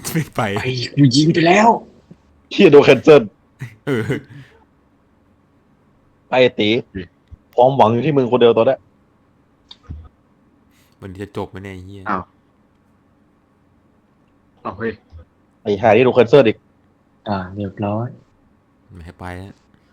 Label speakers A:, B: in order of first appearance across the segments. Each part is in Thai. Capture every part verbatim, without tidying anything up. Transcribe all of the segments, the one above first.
A: ไม่ไป
B: ไปกูยิงไปแล้ว
C: เที่ยโดนแคนเซิล
A: เออ
C: ไอ้ตีความหวังอยู่ที่มึงคนเดียวตอนนี้
A: มันจะจบไหมเนี่ยเฮีย
B: อ้าวเอาเฮ้ย
C: ไอ้หาที่โดนแคนเซิลอีก
B: อ่าเรียบร้อย
A: ไม่ให้ไปแล้ว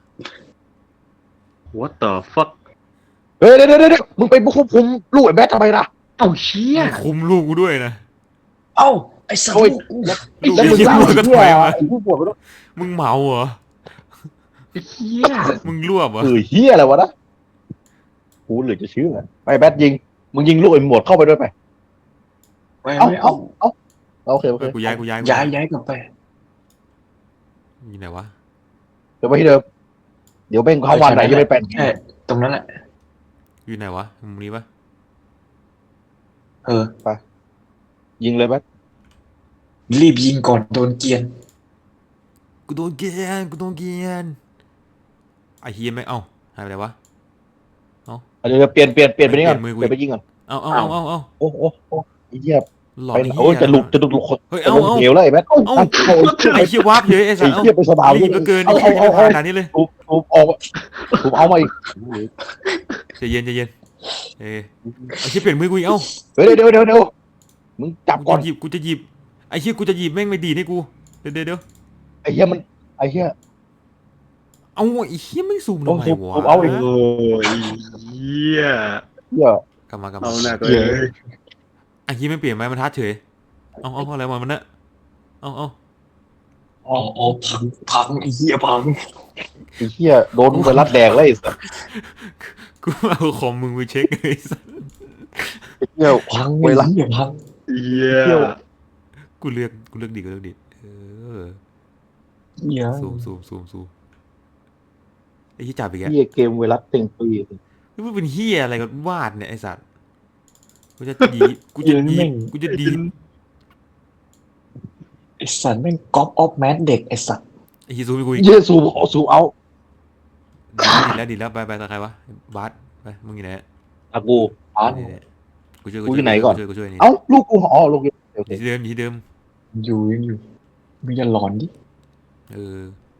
B: what the fuck
C: เฮ้ยเดี๋ยวเดี๋ยวเดี๋ยวมึงไปบุกควบคุมลูกไอ้แบททำไมล่ะ
B: เอ้าเชี่ย
A: คุมลูกกูด้วยนะ
B: เอ้าไอ้สัตว์
C: โอ้ย
B: ลูกกู
C: แล้วมึง
A: เหี้ย
C: เล่า
A: มึงก็
C: ไอ้เหี้
A: ถอย
C: ย
A: มา
C: ไอ้ผู้ป่วยมันต้อง
A: มึงเมาเหรอ
B: ไอ้เหี้ย
A: มึงรวบเหรอ
C: เออเหี้ยอะไรวะนะกูเหลือจะเชื่อไอ้แบทยิงมึงยิงลูกไอ้หมวดเข้าไปด้วยไป
B: ไม่
C: เอ้า
B: ไม่
C: เอ้า
B: เอา
C: เอ้าโอเคโอ
A: เอ
C: เค
A: อกูย้ายกูย้าย
B: ย้ายย้ายกลับไป
A: อยู่ไหนวะ
C: เดี๋ยวไปที่เดิมเดี๋ยวเบ่งเข้าวันไหนจะไม่เป็น
B: แค่ตรงนั้นแหละ
A: อยู่ไหนวะมุมนี้ปะ
B: เออ
C: ยิงเลยแบท
B: รีบยิงก่อนโดนเกียน
A: กูโดนเกลียนกูโดนเกลียนไอ้เฮียไม่เอ้าหายไปไหนวะ
C: เดี๋ยวเปลี่ยนเปลี่ยนเปลี่ยนไปนี่ก่อน
A: เปลี่ยนมือกู
C: เปลี่ยนไปยิงก่อน
A: เอาเอาเอาเอาเอา
C: โอ้โอ้โอ้ไอ้เหี้ย
A: หลอ
C: ไป
A: น
C: โอ้ยจะหลุดจะหลุดหลุดคน
A: เฮ้ย
C: จะ
A: เอา
C: ลง
A: เอา
C: เหวแล้วไอ้แบทเอ้า
A: เอ้า
C: เอ้า
A: ไอ้เฮียวาร์ปเยอะไอ้สั
C: ไอ้
A: ตว์
C: เหี้ยไปสนาม
A: รีบเหลือเกิน
C: เอา
A: ไอ้
C: เอา
A: เหี้ย
C: เอา
A: ขนาดนี้เลย
C: ถูกถูกออกถูกเอามาอีก
A: ใจเย็นใจเย็นเออไอ้เฮียเปลี่ยนมือกูอีกเอ้า
C: เฮ้ยเดี๋ยวเดี๋ยวเดี๋ยวมึงจับ
A: กู
C: ก่อน
A: จะหยิบกูจะหยิบไอ้เฮียกูจะหยิบแม่งไม่ดีให้กูเดี๋ยวเดี๋ยวเดี๋ยว
C: ไอ้เหี้ยมันไอ้เหี้ย
A: เอาไอ้เฮียไม่ซูมทำไมวะ
C: ผมเอาอีก
B: โอ้ยเหี้ย
C: เหี้ย
A: กลับมากลับ
B: เอา
A: มา
B: หนักเล
C: เหี้ย
B: ย
A: ไอ้เฮียไม่เปลี่ยนไม้บรรทัดเฉยเอาเอาอะไรมามันเนี่ยเอาเอา
B: อ๋ออ๋อพังพังไอ้เหี้ยพัง
C: ไอ้เหี้ยโดนไวรัสแดงเลยไอ้สัส
A: กูเอาคอมมึงไปเช็คเลยสัส
C: ไอ้เหี้ย
B: พัง
C: ไว
B: ไอ้
C: รัส
B: เหี้ยพัง
D: เหี้ย
C: เที่ยว
A: กูเลือกกูเลือกดีกูเลือกดีเออ
B: เหี้ย
A: ซูมซูมซูมซูมไอ้ที่จับอีกแก
C: เหี้ยเกมไวรัสเต็งปี
A: นี่มันเป็นเฮียอะไรกันวาดเนี่ยไอ้สัตว์กูจะดีกูจะดีกูจะดี
B: ไอ้สัตว์แม่งก๊อปออฟแมสเด็กไอ้สัตว์
A: ไอ้ที่ซูมไปกูอีก
C: เหี้ยซูมเอาซูมเอา
A: ดีแล้วดีแล้วไปไปตาใครวะบาสไปมึงอยู่ไหน
C: อากู
B: อ๋อ
A: นี่ๆกูช่วย
C: กูอยู่ไหนก่อน
A: กูช่วยกูช่วยนี่
C: เอ้าลูกกูอ๋อลูกโอเค
A: ที่เดิมที่เดิม
B: อยู่ยังอยู่มึงอย่าหลอนดิ
A: เออ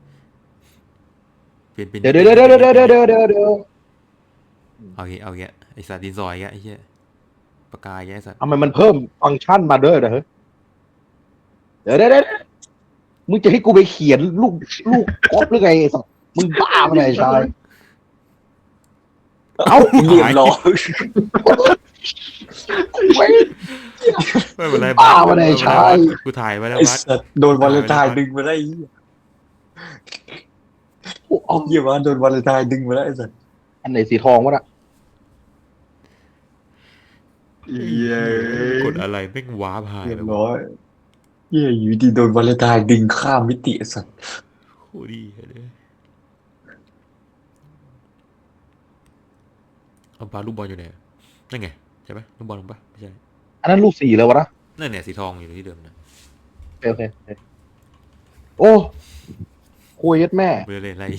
A: เปลี่ยนเป็น
C: เดี๋ยวเดี๋ยวเดี๋ยวเดี๋ยวเดี๋ยวเดี๋ยวเดี๋ยวเดี๋ยว
A: เอาเงี้เอาเงี้ยไอ้สัตว์ดินสอยเงี้ยไอ้เหี้ยปากกาเงี้ยไอ้สัตว์
C: ทำไมมันเพิ่มฟังก์ชันมาด้วยนะเฮ้ยเดี๋ยวเดี๋ยวเดี๋ยวมึงจะให้กูไปเขียนลูกลูกก๊อปหรือไงไอ้สัสมึงบ้าปะเนี่ยไอ้ชายเอ้า
B: เรียบร้อย
C: ไม่
A: ไม่เป็นไร
C: บ้า
A: บาส
C: วะเนี่ยไอ้ชาย
A: กูถ่ายไว้แล้ว
B: ไอ้
A: บาส
B: สัตว์โดนวาเลนไทน์ดึงมาได้ไอ้เหี้ยเอาเหี้ยมาโดนวาเลนไทน์ดึงมาแล้วไอ้สัตว์
C: อันไหนสีทองวะน่ะ
D: เหี้ย
A: กดอะไรแม่งว้าพาย
B: เรียบ
A: แล้ว
B: ร้อยเหี้ยอยู่ดีโดนวาเลนไทน์ดึงข้ามมิติไอ้สัตว์
A: โคตรดีเลยเอาปลาลูกบอลอยู่ไหนนั่นไงใช่ไหมลูกบอลลงปะไม่ใช่
C: อันนั้นลูกสีเลยวะนะ
A: นั่นเนี่ยสีทองอยู่ที่เดิมนะ
C: โอเคโอเคโอ้คุยยัดแม่
A: ไปเลยอะไร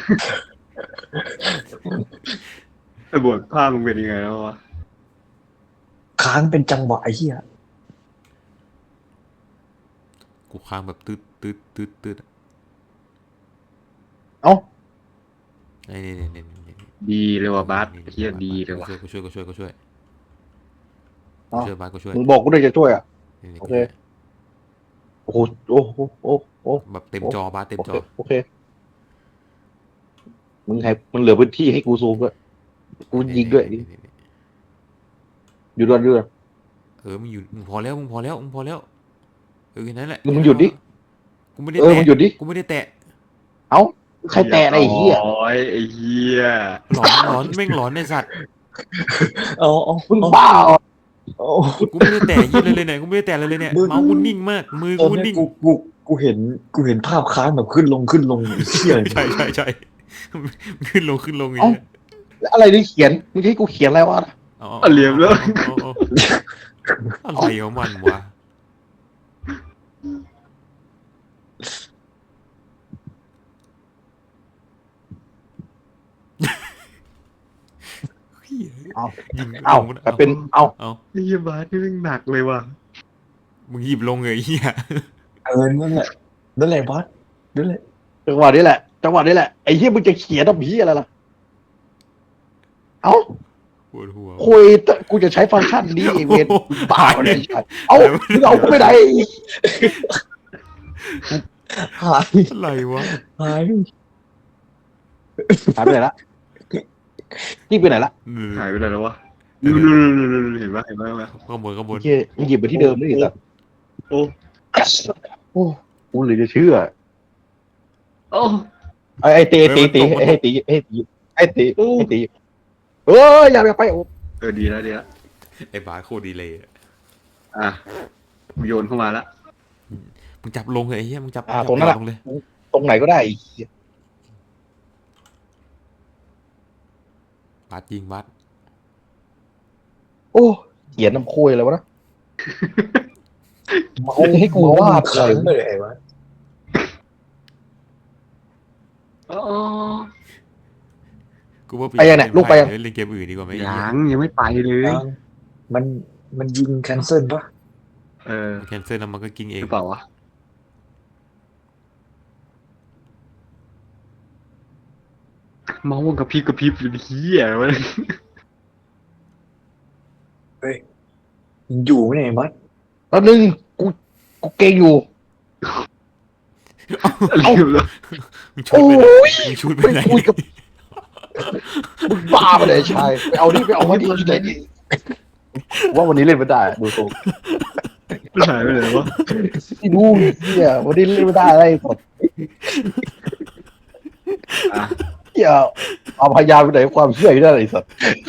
D: ไอ้บทภาพมึงเป็นยังไงแล้ววะ
B: ค้างเป็นจังหวะไอ้เหี้ย
A: กูค้างแบบตืดตืดตืดตืด
C: เอ้า
A: ไอ้นี่นี่นี่นี่
D: ดีเลยว่ะบาสเหี้ยดีเลยว่ะ
A: กูช่วยกูช่วยกูช่วยกู
C: เอ้า
A: ช่วยบาสกูช่วย
C: มึงบอกกูด้วยจะช่วยอ่ะ
A: นี่นี่
C: โอเค โอ้โหโอ้โหโอ้โห
A: แบบเต็มจอบาสเต็ม
C: โอ
A: จ
C: เค
A: อ
C: โอเคมึงให้มึงเหลือพื้นที่ให้กูซูมด้วยกูยิงด้วย
A: นี่นี่นี่
C: อยู่ด้วยด้วย
A: เออมึงอยู่มึงพอแล้วมึงพอแล้วมึงพอแล้วเออแค่นั้นแหละ
C: มึงหยุดดิ
A: กูไม่ได้
C: เออ
A: แตะ
C: มึงหยุดดิ
A: กูไม่ได้แตะ
C: เอ้าใครแตะอะไรไอ้เหี้ย
D: โอ้ยไอ้เหี้ย
A: หลอนหลอนแม่งหลอนในสัตว์
B: เอาเอา
C: มึงบ้าเหรอ
B: เอา
A: กูไม่ได้แตะยี่เลยเลยเนี่ยกูไม่ได้แตะเลยเลยเนี่ยเมาส์กูนิ่งมากมือ
B: ตอน
A: กู
B: เนี้
A: นิ่
B: ย
A: ง
B: กูกูกูเห็นกูเห็นภาพค้างแบบขึ้นลงขึ้นลงไอ้เหี้ย
A: ใช่ใช่ใช่ขึ้นลงขึ้นลงอย่างเงี้ย
C: แล้วอะไรนี่เขียนมึงจะให้กูเขียนอะไรวะ
A: เอา
D: อ่ะเหลี่ยมแล้ว
A: เอาเอาเอาอะไรของมันวะ
C: เอา
A: ยิง
C: เอ้า
A: ลง
C: แต่เป็นเอ้า
A: เอา
D: ไอ้เหี้ยบาสนี่แม่งหนักเลยว่ะ
A: มึงหยิบลงเลยไอ้เฮีย
B: ออนั่นแหละนั่นแหละบอสนั่นแหละ
C: จังหวะนี้แหละจังหวะนี้แหละไอ้เหี้ยมึงจะเขียนทำเหี้ยอะไรล่ะเอ้า
A: ปวดหัว
C: คุยแต่กูจะใช้ฟังก์ชันนี้ไอ้เวรบ้าเลยใช่เอ้ามึงเอากูไปไหน
B: หาย
A: อะไรวะ
B: หาย
C: หายไปไหนละนี่ไปไหนละ
A: เออ
D: หายไปไหนแล้ววะนู่นนู่นนู่นนู่นเห็นปะเห็นปะเห็นปะ
A: ข้างบนข้างบน
C: เหี้ยมึงหยิบไปที่เดิมนี่สัตว์
D: โอ้
C: โอ้กูเหลยจะเชื่อ
D: โอ้
C: ไอ้ไอ้ตีตีตีไอ้ตีไอ้ตีไอ้ตีไอ้ตีเอออย่าอย่าไปโอ้
D: เออดีแล้วดีแล้ว
A: ไอ้บาสโคตรดีเลยอะ
D: อ่ะโยนเข้ามาละ
A: มึงจับลงเลยไอ้เหี้ยมึงจับ
C: อ่า
A: จับ
C: ตรงนั้นแหละ
A: ลงเลย
C: ตรงไหนก็ได้ไอ้เหี้ย
A: บาสยิงบาส
C: โอ้เขียนน้ำโคยอะไรวะนะ
B: เมา
C: ให้กูวาด
B: ครั้งเลยไอ้วะ
D: อ๋อ
A: กูว่า
C: ไปยังเนี่ยลูกไปยัง
A: เล่นเกมอื่นดีกว่าไหม
D: ยังยังไม่ไปเลย
B: ยังมันมันยิงแคนเซิลปะ
D: เออ
A: แคนเซิลแล้วมันก็กินเอ
D: ห
A: ง
D: รือเปล่าวะเมาส์กระพริบกระพริบอยู่เฮียมัน
B: ยังอยู่ไหมเนี่ยไอ้บอส
C: แล้วนึงกูกูเก่งอยู่
D: เร็วแล้ว
A: มึงชุด
C: โอ้
A: ไปไหน
C: ย
A: มึงชุดไปไหน
C: ไปคุยกับมึงบ้าไปเลยชายไปเอาดิไปเอามาดิที่ไหนดิว่าวันนี้เล่นไม่ได้ดูทรง
D: หายไปไหนวะ
C: ที่ดูเฮียวันนี้เล่นไม่ได้อะไรสด
D: อ่ะ
C: เฮียเอาพยายามไปไหนความเชื่ออยู่ได้ไรสัตว์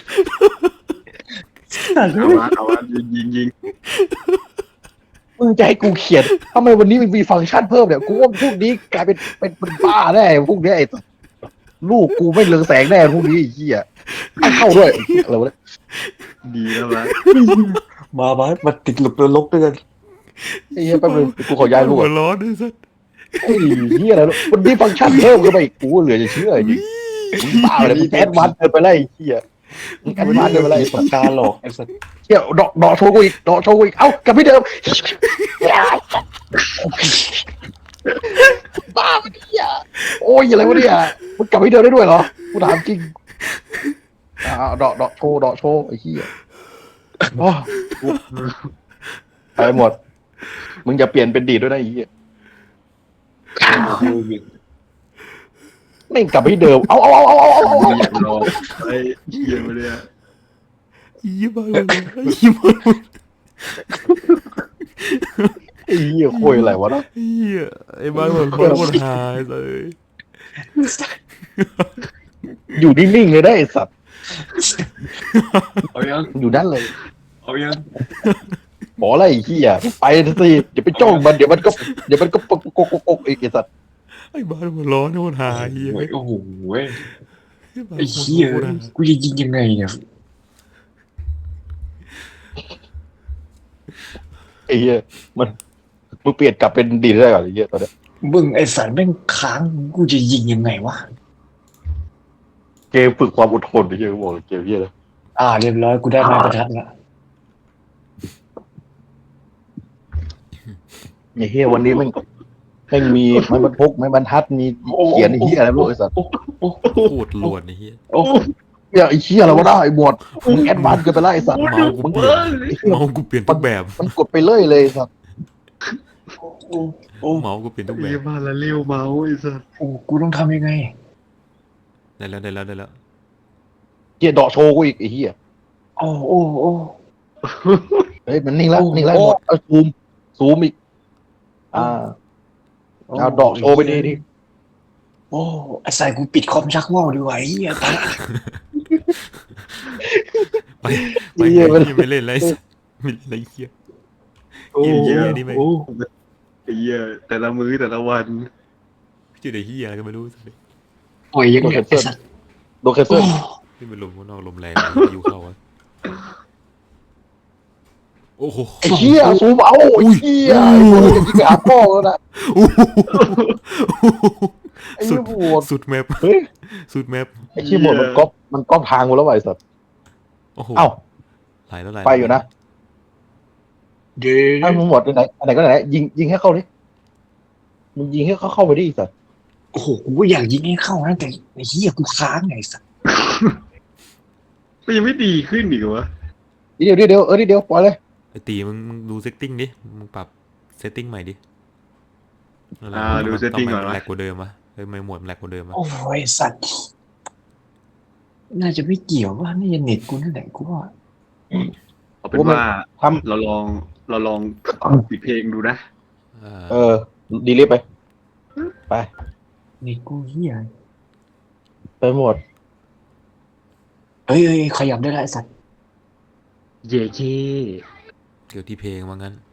D: เอาวะเอาวะยิงยิงยิง
C: มึงจะให้กูเขียนทำไมวันนี้มันมีฟังก์ชันเพิ่มเนี่ยกูว่าพวกนี้กลายเป็นเป็นเป็นบ้าแน่พวกนี้ไอ้สัสลูกกูไม่เรืองแสงแน่พวกนี้ไอ้เหี้ยไม่เข้าด้วยอะไรวะเนี่ย
D: ดีแล้ววะ
B: มาบอสมาติดหลุมนรกด้วยกัน
C: ไอ้เหี้ยแป๊บนึงกูขอย้ายลูก
A: หั
C: ก่
A: ว
C: อน
A: ร้อนด้วยสัส
C: ไอ้เหี้ยอะไรวะมันมีฟังก์ชันเพิ่มขึ้นไปอีกกูเหลือจะเชื่อจริงมึงบ้าเลยมึงแอดวานซ์เกินไปเลยไอ้เหี้ยมึงแอดวานซ์เกินไปเลย
B: มีปากกาหลอกไอ้สัส
C: เหี้ยดอกดอกโชว์กูอีกดอกโชว์กูอีกเอ้ากลับที่เดิมบ้าไปเหี้ยโอ้ยอะไรวะเนี่ยมึงกลับที่เดิมได้ด้วยเหรอกูถามจริงอ่าดอกดอกโชว์ดอกโชว์ไอ้เหี้ยโอ้ไปหมด มึงจะเปลี่ยนเป็นดีดด้วยนะไอ้เหี้ยไม่งกลับไปที่เดิมเอาเอาเอาเอาเอาเอาเอา
D: เรียบร้อยไอ้เฮียมาเลยอะ
A: ยี่บ้าเลยยี่บ้าเลย
C: ไอ้เหี้ยคุยอะไรวะเนาะ
A: เฮียไอ้บ้ามันคนคนหายเลย
C: อยู่นิ่งๆเลยได้ไอ้สัตว์
B: เอายัง
C: อยู่นั่นเลย
B: เอายัง
C: บอกอะไรไอ้เหี้ยไปสิเดี๋ยวไปจ้องมันเดี๋ยวมันก็เดี๋ยวมันก็ปกปกปกปกไอ้สัตว์
A: ไอ้บ้าหัวร้อนคนหายเฮีย
B: โอ้ยโอ้โหเว้ย
A: บ้า
B: ไอ้เหี้ย
A: คนหาย
B: กูจะยิงยังไงเนี่ย
C: ไอ้เหี้ยมันมึงเปลี่ยนกลับเป็นดีดได้ก่อนไอ้เหี้ยตอนเนี้ย
B: มึงไอ้สันแม่งค้างกูจะยิงยังไงวะ
C: เกมฝึกความอดทนไอ้เหี้ยกูบอกเลยเกมเหี้ยเลย
B: อ่าเรียบร้อยกูได้ไม้ประทัดละ
C: ไอ้เหี้ยวันนี้มันแม่งมีไม้บรรพกไม้บรรทัดมีเขียนไอ้เหี้ยอะไรไม่รู้ไอ้สัตว์
A: โคตรลวนไอ้เฮีย
B: โอ้
C: เหี้ยไอ้เหี้ยอะไรวะได้ไอ้บวชมึงแอดวานซ์เกินไปแล้วไอ้สัตว์
A: เมากูเปลี่ยนเมากูเปลี่ยนทุกแบบ
C: มันกดไปเลยเลยไอ้สัตว์
B: โอ้โอ้
A: เมากูเปลี่ยนทุกแบ
D: เฮีย
A: บ
D: มาละเร็วเมาส์ไอ้สัส
B: โอ้กูต้องทำยังไง
A: ได้แล้วได้แล้วได้แล้ว
C: เหี้ยเดาะโชว์กูอีกไอ้เหี้ย
B: โอ้โอ้โอ้
C: เฮ้ยมันนิ่งแล้ว
B: โอ้
C: นิ่งแล้ว
B: โอ้
C: หมดเอาซูมซูมอีกอ่าเอาเดาะโชว์ไปดีดิ
B: โอ้ไอ้สายกูปิดคอมชักว่าวดีกว่าไอ้เหี้ยตาย
A: ไปไปเฮียไม่เล่นอะไรไม่เล่นอะไรเฮีย
B: โอ้
A: เหี้ยนี่แม่ง
B: โอ้
D: ไอ้เฮียแต่ละมื้อแต่ละวัน
A: ชื่อไอ้เฮียอะไรก็ไม่รู้สิ
B: ปล่อยยังไงไอ้สัตว์
C: โดนแคนเซิ
B: โอ้
C: ล
A: ที่มันลมข้างนอกลมแรงพายุเข้าวะโอ้โห
C: ไอ้เหี้ยซูมเอาไอ้เหี้ยไอ้พวกจะยิงไปหาพ่อแล้วนะ
A: โอ้โห
C: ไอ้เหี้ยโหด
A: สุดแมป
C: เฮ้ย
A: สุดแมป
C: ไอ้เหี้ยหมดมันก๊อปมันก๊อปทางกูแล้วไอ้สัตว์
A: โอ้โห
C: เอ้า
A: ไหลแล้วไหล
C: ไปอยู่นะ
B: เดี๋ยว
C: ให้มึงหมดไหนอันไหนก็ไหนยิงยิงให้เข้าดิมึงยิงให้เขาเข้าไปดิสัตว์
B: โอ้โหกูก็อยากยิงให้เข้านะแต่ไอ้เหี้ยกูค้างไงสัส
D: มันยังไม่ดีขึ้นอีกเหรอวะ
C: เดี๋ยวเดี๋ยวเดี๋ยวเออเดี๋ยวปล่อยเลย
A: ไอตีมึงมึงดูเซตติ้งดิมึงปรับเซตติ้งใหม่ดิ
D: อ่าดูเซตติ้งก่อน
A: วะ
D: วะ
A: แหลกกว่าเดิมวะเฮ้ยไม่หมวดมันแหลกกว่าเดิมวะ
B: โอ้ยสัตว์น่าจะไม่เกี่ยวว่านี่จะเน็ตกูนั่นแหละกูว่า
D: เอาเป็นว่า
C: ทำ
D: เราลองเราลองปิดเพลงดูนะ
A: อ่า
C: เออดีลิฟไปไป
B: เน็ตกูเหี้ย
C: ไปหมด
B: เฮ้ยเฮ้ยขยับได้แล้วไอ้สัตว์
D: เย่เย่
A: เกี่ยวที่เพลงว่างั้น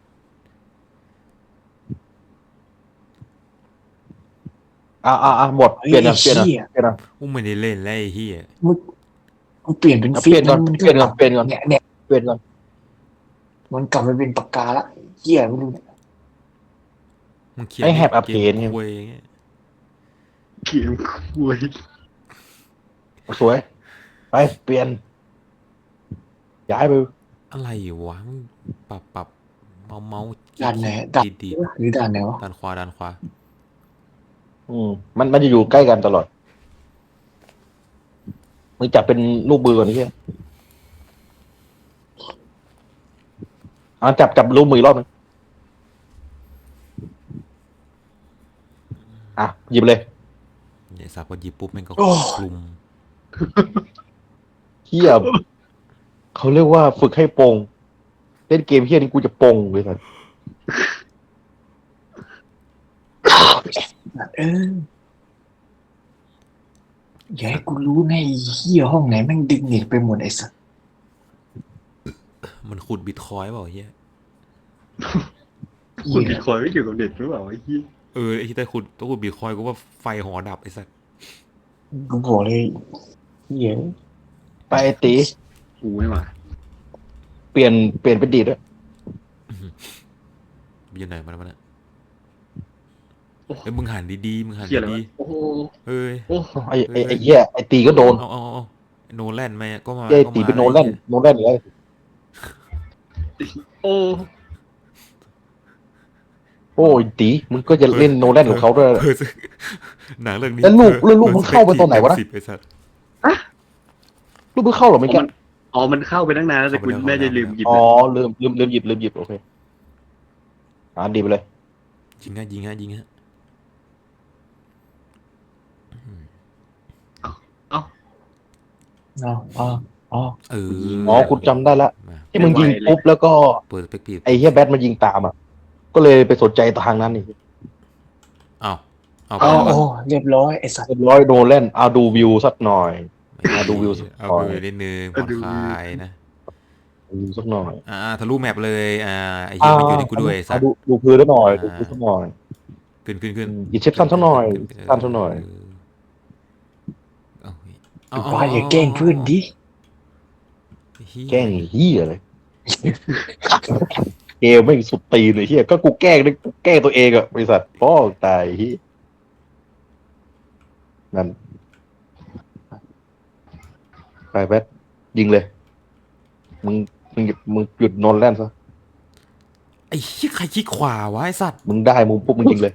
C: อ่าอ่าอ่าหมดเปลี่ยนอ่ะเปลี่ยนอ่ะเปลี่ยนอ่ะ
A: อุ้มไม่ได้เล่นแล้วไอ้เหี้ย
B: กูเปลี่ยนเป็น
C: เอา
B: ฟิ
C: เปลี่ยนก่อน
B: มั
C: เปลี่ยนก่อนเปลี่ยนก่อน
B: เนี่ยเนี่ย
C: เปลี่ยนก่อน
B: มันกลับมาเป็นปากกาละเหี้ยไม่รู้เนี่ย
A: มึงเขียน
C: ไอ้แฮปอัพ
A: เก
C: เพ
A: ม
C: นเนี่ย
A: คุยอย่างเงี้ย
D: เขียนคุย
C: สวยไปเปลี่ยนย้ายไป
A: อะไรวะมึงปรับปรับเมาเมาส์
B: ด่านไหนด่าน
A: ดีดี
B: หรือด่านไหนวะ
A: ด้านขวาด้านขวา
C: อืมมันมันจะอยู่ใกล้กันตลอดมึงจับเป็นลูกมือก่อนนี่ใช่อ่าจับจับลูกมืออีกรอบนึงอ่ะหยิบเลย
A: เนี่ยสับพอหยิบปุ๊บแม่งก็คลุม
C: เฮียเขาเรียกว่าฝึกให้โปงเล่นเกมเฮียนี่กูจะโปงเลยสัส
B: เอออย่าให้กูรู้นะไอ้เหี้ยห้องไหนแม่งดึงเน็ตไปหมดไอ้สัตว์
A: มันขุดบิตคอยน์เปล่าเฮีย
D: คุ
B: เหี้
D: ณ
B: ย
D: บิตคอยน์ไม่เกี่ยวกับเน็ตหรือเปล่าไอ้เหี้ย
A: เออไอ้ที่ได้ขุดต้องขุดบิตคอยน์กูว่าไฟหอดับไอ้สัส
B: กูบอกเลยเหี้ย
C: ไปไอ้ตี
D: กูไม่มา
C: เปลี่ยนเปลี่ยนเป็นดีดด้วย
A: อยู่ไหนมาแล้วมันอะเอ้ยมึงหันดีๆมึงหัน
D: เขียนอะไร
A: ดี
D: วะโอ้โห
A: ๆเอ้ย
D: โอ้
C: ไอ้ไอ้ไอ้เหี้ยไอ้ตีก็โดน
A: เอาเอาเอาโนแลนมาก็มา
C: ไอ้
A: ก็
C: ตี
A: มา
C: เป็นโนแลนโนแลนเลย
D: โอ้
C: โอ้ยตีมึงก็จะเล่นโนแลนของเขาด้วย
A: เออหนังเรื่องนี้
C: แล้วลูกแล้วลูกมึงเข้าไปตอนไหนวะนะ
A: สิบไอ้สัส
C: ลูกมึงเข้าเหรอไม่
D: อ๋อ
C: แก่
D: มันอ๋อมันเข้าไปตั้งนานแล้วแต่คุณ
A: เข้าไปแล้ว
D: แม่จะลืมหยิบ
C: อ๋อ
D: เลย
C: ลืมลืมลืมหยิบลืมหยิบโอเคอ่าดีไปเลย
A: ยิงฮะยิงฮะยิงฮะ
B: อ๋ออ๋ออ๋อ
A: เออ
C: อ๋อคุณจำได้ละ
A: มา
C: ที่มึงยิงปุ๊บแล้วก็
A: เปิดสเปกปี
C: ไอ้เฮียแบทมันยิงตามอ่ะก็เลยไปสนใจทางนั้นนี่
A: อ้าวเอา
B: อ๋อ
A: ไป
B: โอ้เรียบร้อยไอ้สัตว์
C: เรียบร้อยโนแลนเอาดูวิวสักหน่อย เอาดูวิวสัก
A: เอา
C: หน่อย
A: วิวนิดนึงผ่อนคลายนะ
C: ดูวิวสักหน่อย
A: อ่าทะลุแมปเลยอ่าไอ้เหี้ยมันอยู่ในกูด้วยไอ้สั
C: เอา
A: ส
C: ดูดูพื้นแล้วหน่อยดูพื้นสักหน่อย
A: ขึ้นขึ้นขึ้น
C: อินเชปชั่นสักหน่อยสั้นสักหน่อย
A: เอาเอา
B: กูว่าอย่าแกล้งเพื่อนดิ
A: เหี้ย
C: แกล้งเฮียเลยเกมไม่งสุดตีนเลยเฮียก็กูแกล้งได้กูแกล้งตัวเองอะบริษัทพ่อตายเฮียนั่นไปแบทยิงเลย มึงมึงหยุดมึงหยุดโนแลนซะ
A: ไอ้เหี้ยใครขี้ขวาวะไอ้สัตว์
C: มึงได้มึงปุ๊บมึงยิงเลย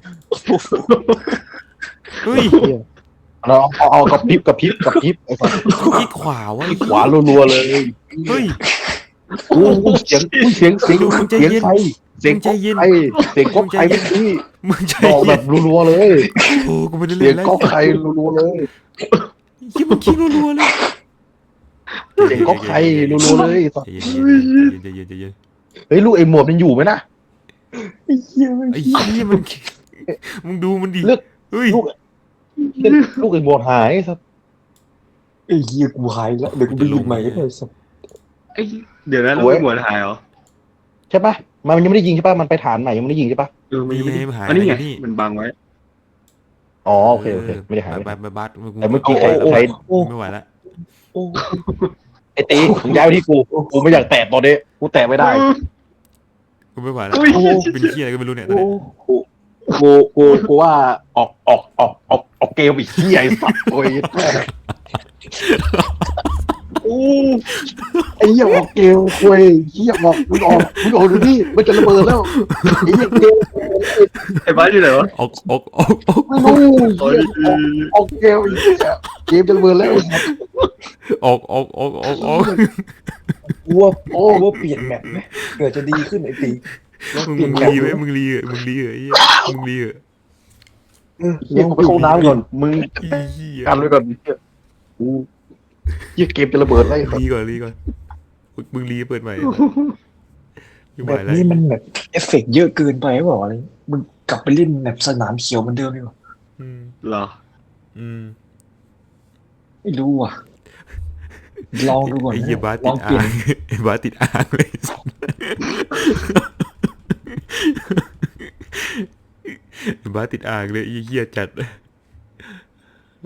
A: เฮ้ย
C: เหี้ยเอาเอาเอากับพริบกับพริบกับพริบไอ้สัส
A: ขี้ขวาวะไอ้
C: ขวารัวๆเลย
A: เฮ้ย
C: กูกูเสียงกูเสียงเสียง
A: มึงใจ
C: เสียง
A: เย็น
C: ใครเสียง
A: มึงใจเย็น
C: ใครเสียงก๊อกใครเมื่อกี้
A: มึงใจ
C: บอกแบ
A: เย็
C: บ
A: น
C: รัวๆเลย
A: โอ้กูไม่ได้
C: เสี
A: เล่
C: ยง
A: นแล้ว
C: ก๊อกใครรัวๆเลย
A: เหี้ยมันขี้รัวๆเลย
C: เสียงก๊อกใครรัวๆเลยไอ้สัส
A: ใจเย็นใจเย็นใจเย็นใจเย็น
C: เฮ้ยลูกไอ้หมวดมันอยู่ไหมนะ
B: ไอ้เหี้ยมัน
A: ไอ้เหี้ยมันมึงดูมันดิ
C: เลือก
A: เฮ้ย
C: ลูกลูกไอ้หมวดหายไอ้สัส
B: ไอ้เหี้ยกูหายแล้วเดี๋ยวกูไปหยิบใหม่ก็ได้สัตว์
D: ไอ้เดี๋ยวนะเราไม่หมดหายเหรอ
C: ใช่ปะมันยังไม่ได้ยิงใช่ปะมันไปฐานใหม่ยังไม่ได้ยิงใช่ปะ
D: เออมันยังไม่ได้
A: หาย
D: อันนี้ไง
A: นี่
D: มันบังไว้
C: อ๋อโอเคโอเคไม่ได้หาย
A: ไปไปบัส
C: แต่เมื่อกี้ใครใคร
A: ไม่ไหวแล้ว
B: โอ้
C: ไอ้ตีมึงย้ายไปที่กูกูไม่อยากแตะตอนนี้กูแตะไม่ได้
A: กูไม่ไหวแล้ว
D: อุ้ย
A: เป็นเหี้ยอะไรก็ไม่รู้เนี่ยตอน
B: โอ้
A: นี้
C: กูกูกูว่าออกออกออกออกออกเกมอีกที่ไอ้สัตว์โอ้ย
D: โอ้
C: ไอ้เหี้ยออกเกมคุยเหี้ยบอกมึงออกมึงออกดูนี่มันจะระเบิดแล้วไอ้เหี้ยเกม
D: ไอ้บ้านอยู่ไหนวะ
A: ออกออกออกออก
C: ไม่รู้
D: โอ้ย
C: เหี้ยออกเกมไอ้เหี้ยเกมจะระเบิดแล้ว
A: ออกออกออกออกออก
B: กูว่าโอ้ว่าเปลี่ยนแมปไหมเกิดจะดีขึ้นไอ้ตีว่า
A: มึง
B: เปลี่ยน
A: มึง
B: แมป
A: รี
B: ไห
A: ไว้
B: ม
A: มึงรีเหอะมึงรีเหอะไอ้เหี้ยมึงรีเหอะ
B: เออ
C: เหี้ยกูไปเข้าน้ำก่อนมึง
A: ไอ้เหี้ย
C: กันไว้ก่อนเหี้ยกูเหี้ยเกมจะระเบิดแล้วไอ้สัส
A: รีก่อนรีก่อนมึงรีเปิดใหม่ไม่ไหว
B: แบบ
A: แล้ว
B: นี้มันแบบเอฟเฟกต์เยอะเกินไปหรือเปล่าอะไรมึงกลับไปเล่นแบบสนามเขียวเหมือนเดิมดีกว่า
A: อืม
D: เหรอ
A: อืม
B: ไม่รู้อ่ะลองดูก่อน
A: ไอ้เหี้ย
B: นะ
A: บ้า
B: ล
A: ติ
B: อ
A: ด
B: งเป
A: อ่า
B: ลี่ยน
A: งไอ้บ้าติดอ่างเลยไอ้บ้าติดอ่างเลยไอ้เหี้ยจัด